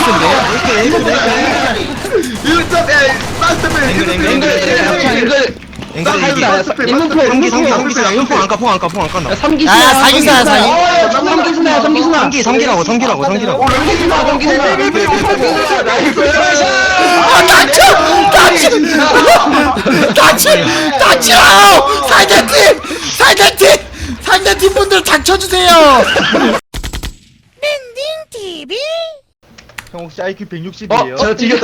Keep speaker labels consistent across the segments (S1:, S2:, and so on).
S1: 센데? 야야 사기사야 사기.
S2: 성기라고.
S1: 닥쳐! 상대팀 분들 닥쳐주세요.
S3: 형 혹시 IQ 160이에요?
S2: 저 튀겼다.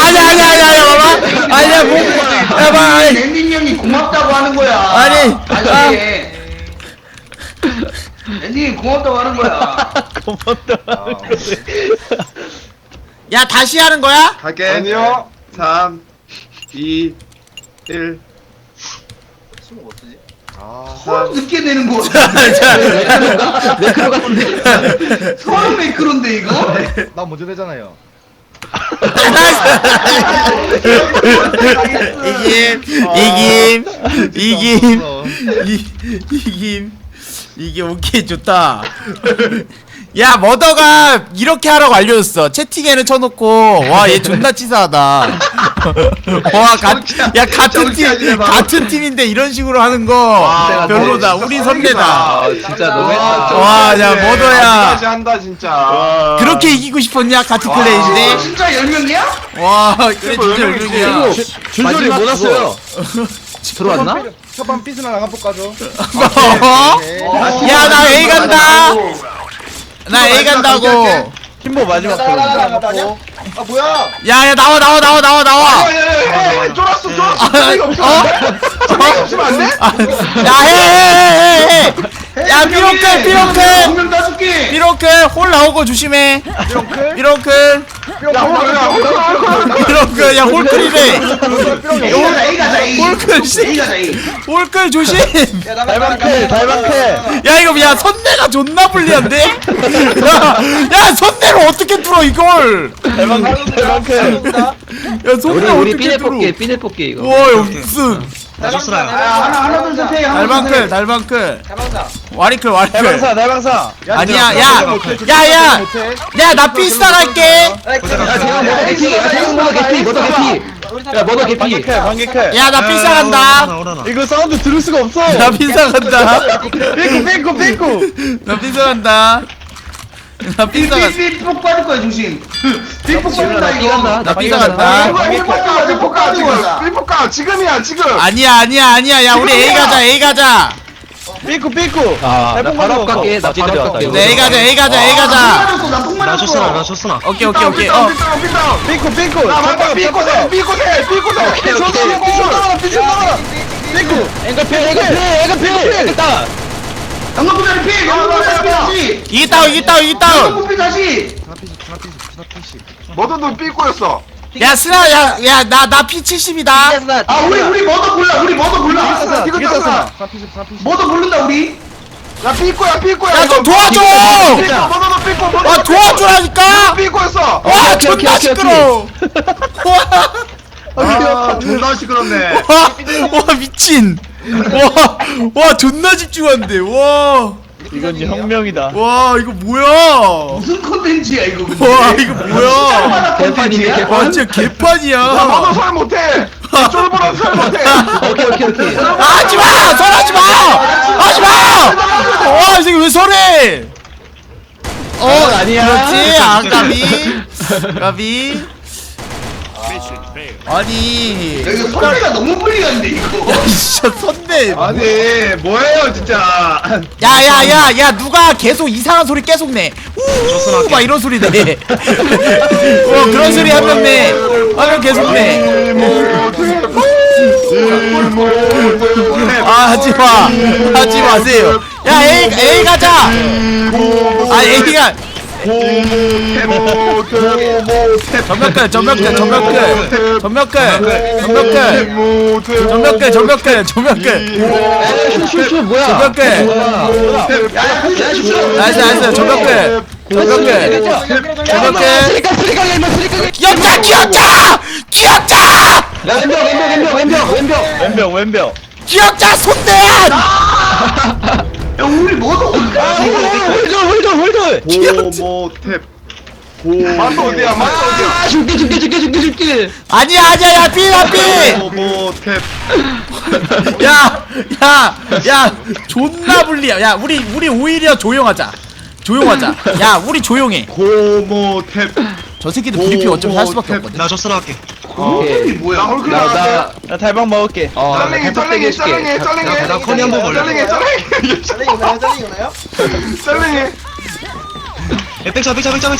S1: 아니야 뭐 야봐
S4: 랜딩 형이 고맙다고 하는 거야.
S1: 아니
S4: 랜딩이 고맙다고 하는 거야.
S1: 야 다시 하는 거야?
S5: 갈게.
S3: 아니요.
S5: 3, 2, 1.
S4: 서른 늦게 내는 거.
S2: 매크로 같은데.
S4: 서른 매크로인데 이거?
S3: 나 먼저 되잖아요.
S1: 이김 오케이 좋다. 야 머더가 이렇게 하라고 알려줬어. 채팅에는 쳐놓고 와 얘 존나 치사하다. 와 같은 팀인데 이런 식으로 하는 거 별로다. 우리 선배다.
S2: 진짜 너무했다.
S1: 와 야 머더야
S5: 한다 진짜.
S1: 그렇게 이기고 싶었냐 같은 플레이인데.
S4: 진짜 10명이야?
S1: 와 그래 진짜 열명이야.
S2: 줄줄이 못 왔어요. 들어왔나?
S3: 첫번 삐스나 나가볼 까죠.
S1: 야 나 A 간다. 나 A 간다고.
S2: 팀보 마지막
S3: 나가고. 아 뭐야?
S1: 야야 나와.
S5: 쫄았어.
S1: 야해. 야 삐롱클.
S4: 오면 따줄게.
S1: 삐롱클 홀 나오고 조심해. 삐롱클. 야 홀클이래.
S4: A 가자 A.
S1: 홀클 씨.
S4: A 가자 A.
S1: 홀클 조심.
S2: 달방패.
S1: 야 이거 야 선내가 존나 불리한데? 야 선내로 어떻게 뚫어 이걸? 야 선내
S2: 우리
S1: 어떻게 뚫어?
S2: 삐네 뽑기 이거.
S1: 와 이거 무슨
S4: 하나 둘 셋.
S1: 달방클 와리클
S2: 달방사.
S1: 아니야 야나 삐스타 갈게.
S2: 머더 개피. 방개클.
S1: 야 나 삐스타 간다.
S2: 이거 사운드 들을 수가 없어.
S1: 나 삐스타 간다.
S2: 삐꾸.
S1: 나 삐스타 간다. 나 삐스타 간다.
S4: 삐폭 빠질 거야 조심. 삐폭 빠진다 이거.
S1: 나 삐스타 간다.
S5: 삐뽀까 지금이야 지금.
S1: 아니야 야 우리 A 가자.
S2: 삐꾸. 나 바로 갈게. 나 바로 갈게.
S1: 네, A 가자.
S4: 나폭 맞았어.
S2: 나 줬으나.
S1: 오케이.
S2: 삐꾸. 앵글필.
S4: 양옆구자리 피. 양옆구자리 피하지.
S1: 이기다운.
S4: 양옆구 다시.
S5: 뭐든 삐꼬였어.
S1: 야 스나 야나 P70이다.
S4: 아 우리 머더 골라.
S5: 이겼잖아.
S4: 머더 고른다 우리.
S5: 야 삐꼬야.
S1: 야 좀 도와줘.
S5: 뭐든 삐꼬.
S1: 와 도와주라니까.
S5: 삐꼬였어.
S1: 와 존나 시끄러워.
S5: 아 존나 시끄럽네.
S1: 와 미친. 와 존나 집중한데.
S2: 이건 혁명이다.
S1: 와 이거 뭐야.
S4: 무슨 컨텐츠야 이거.
S1: 와 이거 뭐야.
S2: 개판이네.
S1: 와 진짜 개판이야.
S5: 너도 설 못해. 쫄보랑 설 못해.
S2: 오케이.
S1: 하지마 설하지마. 와 이게 왜 설해.
S2: 아니야.
S1: 그렇지. 까비. 아니
S4: 야, 이거 선배가 너무 불리한데 이거.
S1: 야 진짜 선대.
S5: 아니 뭐예요 진짜.
S1: 야야야야 누가 계속 이상한 소리 계속 내. 막 이런 소리 내. 그런 소리 한 명 내. 한 명 계속 내. 하지 마세요. 야 A 가자. A가 전멸클
S2: 슈 뭐야?
S1: 전멸클 나이스 전멸클 귀엽자
S2: 왼벽.
S1: 귀엽자 손대야.
S4: 야 우리 머더 골라.
S2: 홀돌.
S5: 고모탭. 맛도 어디야 맛도 어디야
S2: 아 줄게.
S1: 아니야 야 삐
S5: 모모탭
S1: 야 존나 불리야. 야 우리 오히려 조용하자. 야 우리 조용해.
S5: 고모탭
S1: 저 새끼들 VP 어쩌면 할 수밖에 없거든.
S5: 나 저스나 할게
S4: 이 뭐야?
S5: 나 헐크 나갈게
S2: 나 달방 먹을게.
S5: 짤랭이 나 커니 한번 볼래
S3: 짤랭이 오나요?
S5: 짤랭이
S6: 백샷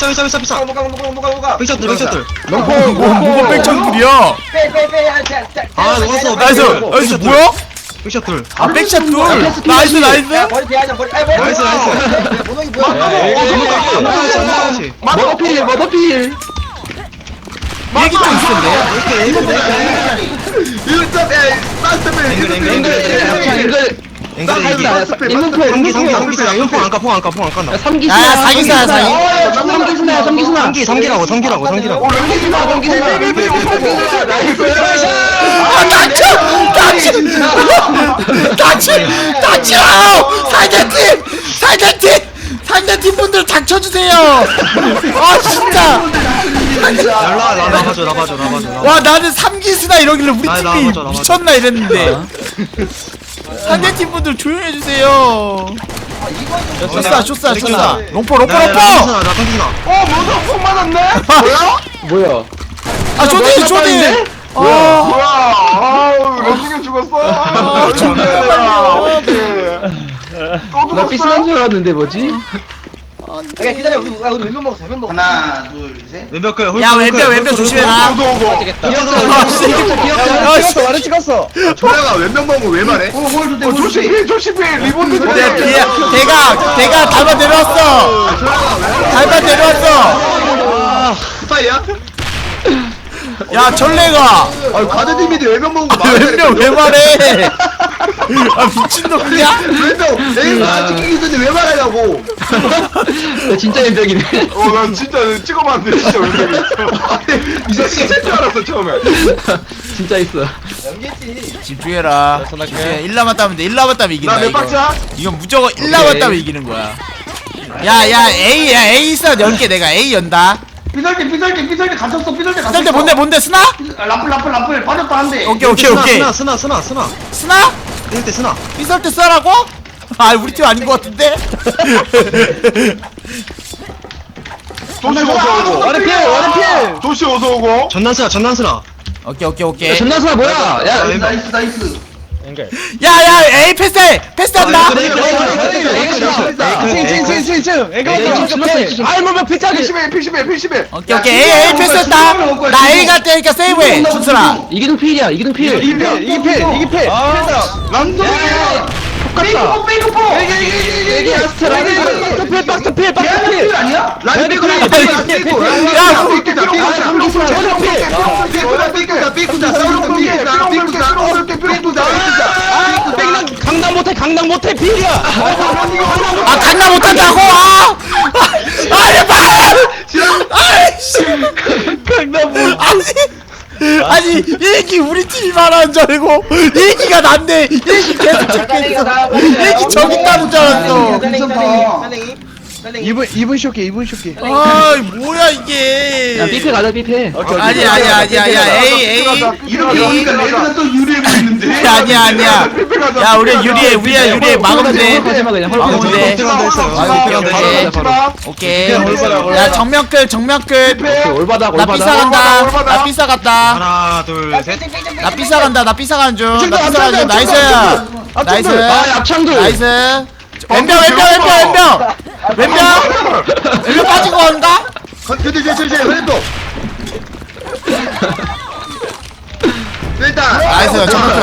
S3: 누가
S6: 백샷들
S1: 뭐가 백천들이야?
S6: 아 녹았어
S1: 나이스 뭐야?
S6: 백샷들
S1: 아 백샷 둘. 나이스.
S3: 머리 대하자 머리
S6: 나이스
S3: 모노이 뭐야
S2: 머더필.
S1: 얘기 좀 있던데.
S6: 인문포 안까포 안까
S2: 삼기수나.
S1: 야 사기사야 사기.
S6: 삼기라고
S1: 닥치라요! 상대팀 분들 닥쳐주세요! 아 진짜!
S6: 나봐줘
S1: 와 나는 삼기스나 이러길래 우리
S6: 나
S1: 팀이
S6: 맞아.
S1: 미쳤나 이랬는데 상대팀 분들 조용해주세요. 쇼싸 롱포
S6: 나 탕기스나
S5: 폭 맞았네?
S2: 뭐야?
S1: 아 쇼디 아
S5: 뭐야 아우 런닝이 죽었어 아
S2: 나 삐스난 줄 알았는데 뭐지?
S3: 기다려 우리 왼면 먹어
S4: 하나, 둘, 셋.
S6: 왼벽
S1: 야 왼벽 조심해라.
S2: 완전 찍었어.
S5: 초라가 왼병 먹은 거왜 말해? 조심해 리본드
S1: 대가 달바 내려왔어.
S5: 스파이야?
S1: 야 전래가
S5: 아 가드님이 왼병 먹은 거
S1: 왼벽 왜 말해? 아 미친놈이야?
S5: 왼병 내가 찍히기 있는데 왜 말하냐고
S2: 진짜 연병이네.
S5: 나 진짜 찍어봤는데 진짜 왼병이 이 새끼 샜줄 알았어 처음에
S2: 진짜 있어.
S1: 집중해라. 집중해. 1 남았다면 돼. 1 남았다면 이긴다.
S5: 나몇
S1: 이거.
S5: 박자?
S1: 이건 무조건 1 남았다면 이기는 거야. 야 A 있어. 10개 내가 A 연다.
S4: 삐설게 갇혔어.
S1: 근데 뭔데 스나?
S4: 라플 빠졌다 한대.
S1: 오케이.
S6: 스나
S1: 스나?
S6: 이럴 때 스나
S1: 삐설 때 쓰라고? 아 우리 팀 아닌 것 같은데?
S5: 조시 어서 오고
S2: 원해필.
S5: 조시 어서 오고
S6: 전난스나
S1: 오케이.
S2: 전나수가 뭐야? 야,
S4: 나이스.
S1: 야 A 패스한다.
S2: 아이 뭐 피차기.
S5: PCB
S1: 오케이. A 패스했다. 나 A 갈 테니까 세이브해. 준수라.
S2: 이기는 필이야.
S5: 이게 필
S4: 페이크포.
S2: 박스필.
S4: 아니야?
S2: 강남 못해 필이야.
S1: 아 강남 못한다고? 아니 봐. 아이씨. 강남 못. 아니 얘기 우리 팀이 말하는 줄 알고 얘기가 난데 얘기 계속 적혀있어. 얘기 저기 있다는 줄 알았어.
S2: 이분 쇼게.
S1: 아 뭐야 이게.
S2: 야 삐패 가자 삐패.
S1: 아니야 A
S4: 이렇게 오니까 레드가 또 유리해 보이는데.
S1: 아니야 야 우리가 유리해 막으면 돼.
S2: 마지막 그냥
S1: 막으면 돼. 오케이. 야 정면끌.
S2: 올바다.
S1: 나 삐싸 간다. 나 삐싸 갔다.
S6: 하나 둘셋
S1: 나 삐싸 간다. 나 삐싸 가는 중. 나이스. 나이스.
S2: 아 앞창들.
S1: 나이스. 왼병 빠지고 온다?
S5: 일단
S1: 나이스.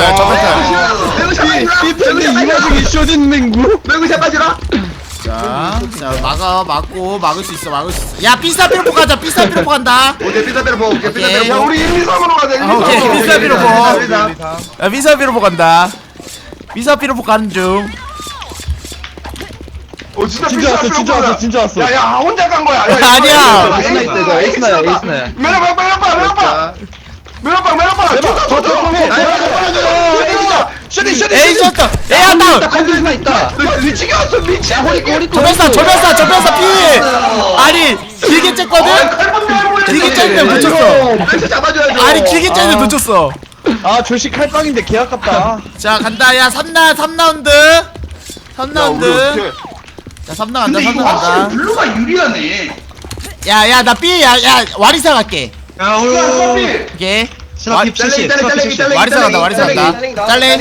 S1: 저부터야.
S5: 삐편이 이 와중에 쇼딘 맹구 맹구샷 빠지라
S1: 자 막고 막을 수 있어. 야 삐싸 삐로포 가자. 삐싸 삐로포 간다.
S5: 오케이 삐사대로 보고 오케이
S1: 오케이.
S5: 삐사대로 보고 우리 인미섬으로 가자
S1: 오케이, 삐사비로 보.
S5: 삐사.
S1: 야 삐싸 삐로포 간다. 삐싸 삐로포 가는 중.
S5: 진짜 왔어 야야 혼자 간 거야
S1: 아니야.
S2: 에이스나야.
S5: 메로빵
S1: 에이 졌다. 에야 다운.
S2: 컨디션 있다.
S5: 미치게 왔어 미치.
S1: 저변사 피. 아니 길게 쬐거든. 길게 쬐는데 놓쳤어.
S5: 멘트 잡아줘야죠.
S1: 아니 길게 쬐는데 놓쳤어.
S2: 아 조시 칼빵인데 개 아깝다.
S1: 자 간다. 야 3라운드. 3라운드. 자 3라 간다.
S4: 근데
S1: 3라
S4: 이거
S1: 간다.
S4: 확실히 블루가 유리하네.
S1: 야야 나 B 야 와리사 갈게.
S6: 야
S4: 야,
S6: 홀
S4: 서비.
S1: 오케이.
S6: 스나 핍 70 스나 핍 70
S1: 와리사 간다. 와리사 간다. 잘래.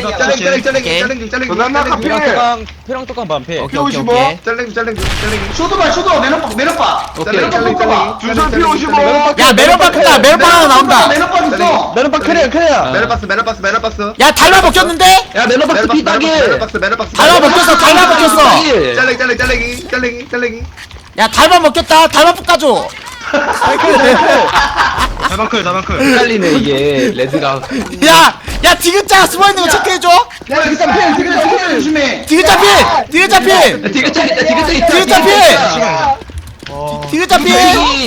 S2: 페랑 똑같은 반패.
S1: 오케이 오케이 오케이.
S4: 쇼도봐, 쇼도. 내려봐.
S1: 오케이.
S5: 준선 P55.
S1: 야 메론박 크다. 메론박 하나 나온다.
S4: 내려봐 있어.
S2: 메론박 캐리야.
S5: 메라박스.
S1: 야 달마 먹혔는데?
S2: 야 메론박스 피따기.
S1: 달마 먹혔어. 달마 먹혔어.
S5: 잘랭이.
S1: 야 달마 먹혔다. 달마 볶아줘.
S6: 다방클
S2: 헷갈리네 이게 레드가.
S1: 야 디귿자 숨어 있는 거 체크해줘.
S4: 야, 일단 필, 조심해.
S1: 디귿자 필. 디귿자 필.
S2: 디귿자 있다.
S1: 디귿자 필. 디귿자 필.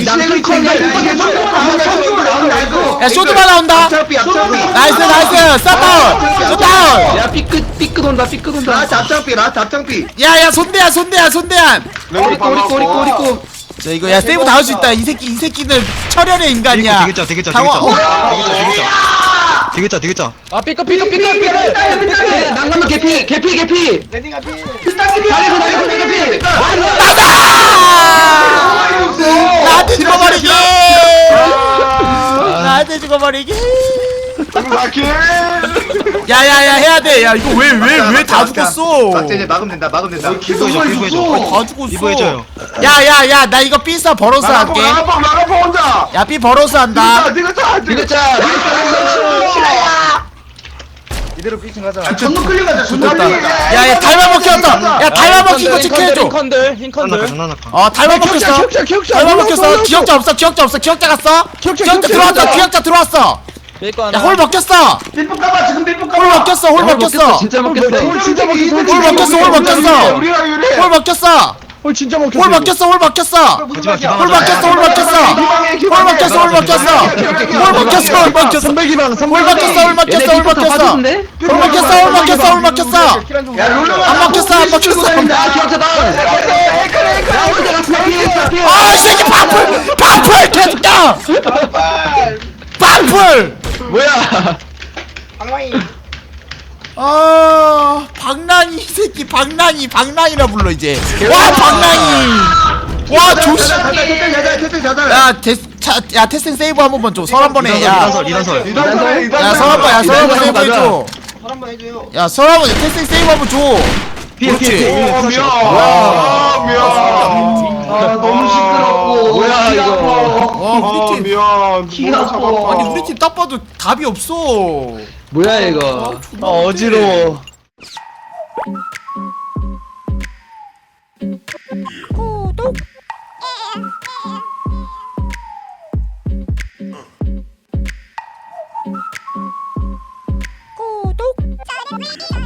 S1: 야 쇼드바 나온다.
S5: 앞잡이.
S1: 나이스. 쏴다운. 쏴다운.
S2: 야 삐끗 온다.
S5: 앞잡이.
S1: 야야 손대한.
S2: 꼬리꼬.
S1: 자 이거 야 세이브 나올 수 있다. 이 새끼는 철혈의 인간이야.
S6: 디귿자
S2: 아 삐끗. 난감한 개피.
S3: 레딩아 피.
S2: 나이스 개피.
S1: 나한테 죽어버리기. 나한테 죽어버리기. 야야야 해야 돼. 야 이거 왜 다 죽었어?
S5: 박재재 막으면 된다.
S6: 피부해줘
S1: 다 죽었어.
S6: 피부해줘요
S1: 야야야 나 이거 삐싸 버러스 할게.
S5: 나가봐 혼자.
S1: 야 삐 버러스 한다.
S5: 디귿자.
S3: 이대로 피칭 하자.
S4: 전노 끌려 가자, 전노
S1: 좋겠다.
S4: 끌려.
S1: 야 달마 먹혔다. 야 달마 먹힌 거 체크해줘.
S2: 흰컨들.
S6: 장난할까
S1: 달마 먹혔어. 달마 먹혔어. 기억자 없어. 기억자 갔어. 기억자 들어왔어. 기억자 들어왔어. 야 홀 먹혔어.
S4: 빌복 까봐, 지금 빌복
S1: 홀
S4: 까봐.
S1: 먹혔어. 홀 먹혔어.
S2: 진짜 먹겠어.
S1: 홀 먹혔어.
S5: 유리야 유리.
S1: 홀 먹혔어.
S2: 홀 진짜 먹혔어.
S1: 홀 먹혔어. 홀 먹혔어.
S6: 하지마 기방
S1: 홀 먹혔어. 홀 먹혔어. 홀 먹혔어. 홀 먹혔어. 홀 먹혔어. 홀 먹혔어.
S2: 선배기방
S1: 홀 먹혔어. 홀 먹혔어. 홀 먹혔어. 홀 먹혔어. 홀 먹혔어. 홀 먹혔어.
S3: 야 롤러가
S1: 안 먹혔어. 안 먹혔어.
S2: 야 기억자다.
S1: 아, 이 새끼 방풀 개새끼야. 방풀.
S2: 뭐야?
S3: 방망이.
S1: 아, 방랑이 이 새끼 방랑이라 불러 이제. 와, 방랑이. 와, 조시. 야, 테스팅 세이브 한 번만 줘. 설 한 번에. 야,
S6: 리단설
S1: 야, 설 한 번. 야, 설 한 번 세이브 해줘.
S3: 설 한번 해줘요.
S1: 야, 설 한 번 테스팅 세이브 한 번 줘. 그렇지.
S4: 아, 너무 시끄럽고.
S2: 뭐야, 이거.
S1: 와, 우리 팀.
S4: 키가 아파.
S1: 아니, 우리 팀 딱 봐도 답이 없어.
S2: 뭐야 이거? 어지러워.
S7: 구독.